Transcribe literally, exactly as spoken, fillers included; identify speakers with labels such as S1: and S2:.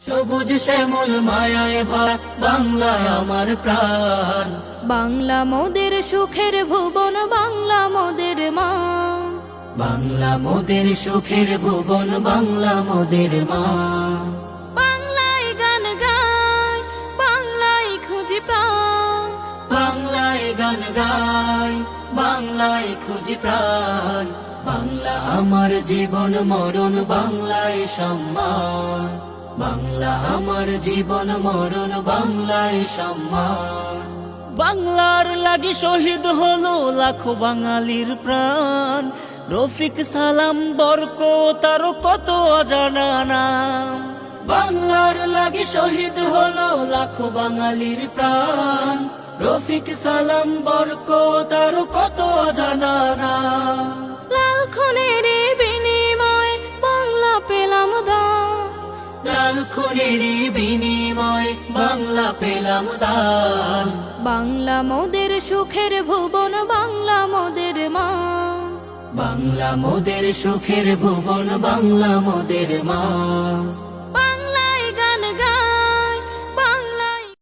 S1: সবুজ শ্যামল মায়ায় ভরা বাংলা আমার প্রাণ।
S2: বাংলা মোদের সুখের ভুবন, বাংলা মোদের মা।
S1: বাংলা মোদের সুখের ভুবন, বাংলা মোদের মা।
S2: বাংলায় গান গায়, বাংলায় খুঁজি প্রাণ।
S1: বাংলায় গান গায়, বাংলায় খুঁজি প্রাণ। বাংলা আমার জীবন মরণ, বাংলায় সম্মান। বাংলা আমার জীবন মরণ, বাংলায় সম্মান।
S3: বাংলার লাগি শহীদ হলো লাখো বাঙালির প্রাণ। রফিক সালাম বরক তার কত অজানা নাম।
S1: বাংলার লাগি শহীদ হলো লাখো বাঙালির প্রাণ। রফিক সালাম বরক তার কত অজানা নাম।
S2: লাল খুনের বিনিময় বাংলা পেলাম দান।
S1: লাল খুনের বিনিময় বাংলা পেলাম দান।
S2: বাংলা মোদের সুখের ভুবন, বাংলা মোদের মা।
S1: বাংলা মোদের সুখের ভুবন, বাংলা মোদের মা।